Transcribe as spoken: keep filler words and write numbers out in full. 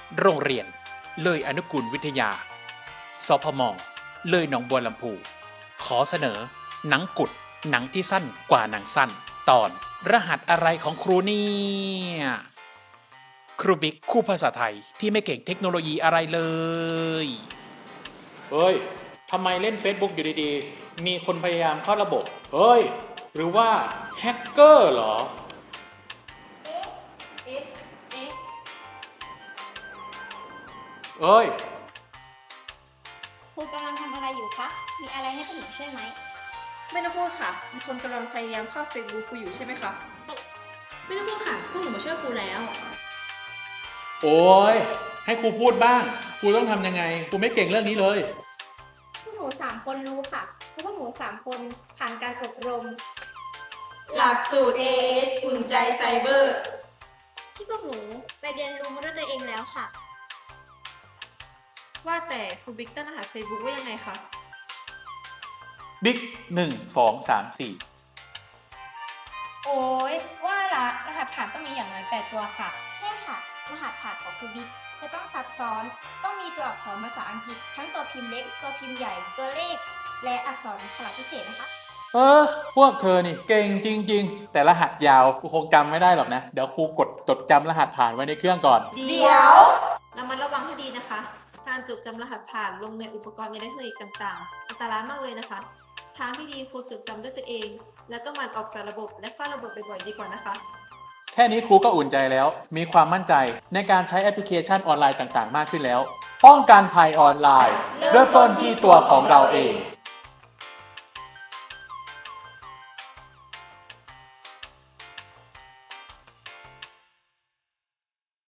โรงเรียนเลยอนุกูลวิทยาสพมเลยหนองบัวลำพูขอเสนอหนังกุดหนังที่สั้นกว่าหนังสั้นตอนรหัสอะไรของครูเนี่ยครูบิ๊กคู่ภาษาไทยที่ไม่เก่งเทคโนโลยีอะไรเลยเฮ้ยทำไมเล่น Facebook อยู่ดีๆมีคนพยายามเข้าระบบเฮ้ยหรือว่าแฮกเกอร์เหรอเอ๊ะเอ๊ะเอ๊ะเอ้ยครูกำลังทำอะไรอยู่คะ มีอะไรให้พวกหนูช่วยไหมไม่ต้องพูดค่ะ มีคนกำลังพยายามเข้า Facebook ครูอยู่ใช่ไหมคะไม่ต้องพูดค่ะ พวกหนูมาช่วยครูแล้วโอ้ยให้ครูพูดบ้างครูต้องทำยังไงครูไม่เก่งเรื่องนี้เลยพวกหนูสามคนรู้ค่ะ เพราะพวกหนูสามคนผ่านการอบรมหลักสูตร เอ เอส อุ่นใจไซเบอร์ที่พวกหนูไปเรียนรู้มาด้วยตัวเองแล้วค่ะว่าแต่ครูบิ๊กตั้งรหัส Facebook ว่ายังไงคะบิ๊กหนึ่งสองสามสี่โอ้ยว่าละรหัสผ่านต้องมีอย่างน้อยแปดตัวค่ะใช่ค่ะ รหัสผ่านของครูบิ๊กจะต้องซับซ้อน ต้องมีตัวอักษรภาษาอังกฤษ ทั้งตัวพิมพ์เล็ก ตัวพิมพ์ใหญ่ ตัวเลข และอักษรขนาดพิเศษนะคะเออพวกเธอนี่เก่งจริงๆแต่รหัสยาวครูคงจำไม่ได้หรอกนะเดี๋ยวครูกดจดจำรหัสผ่านไว้ในเครื่องก่อนเดี๋ยวระมัดระวังให้ดีนะคะ การจดจำรหัสผ่านลงในอุปกรณ์อิเล็กทรอนิกส์ต่างๆ อันตรายมากเลยนะคะ ทางที่ดีครูจดจำด้วยตัวเอง แล้วก็หมันออกจากระบบและเฝ้าระบบบ่อยๆดีกว่านะคะแค่นี้ครูก็อุ่นใจแล้วมีความมั่นใจในการใช้แอปพลิเคชันออนไลน์ต่างๆ มากขึ้นแล้วป้องกันภัยออนไลน์เริ่มต้นที่ตัวของเราเอง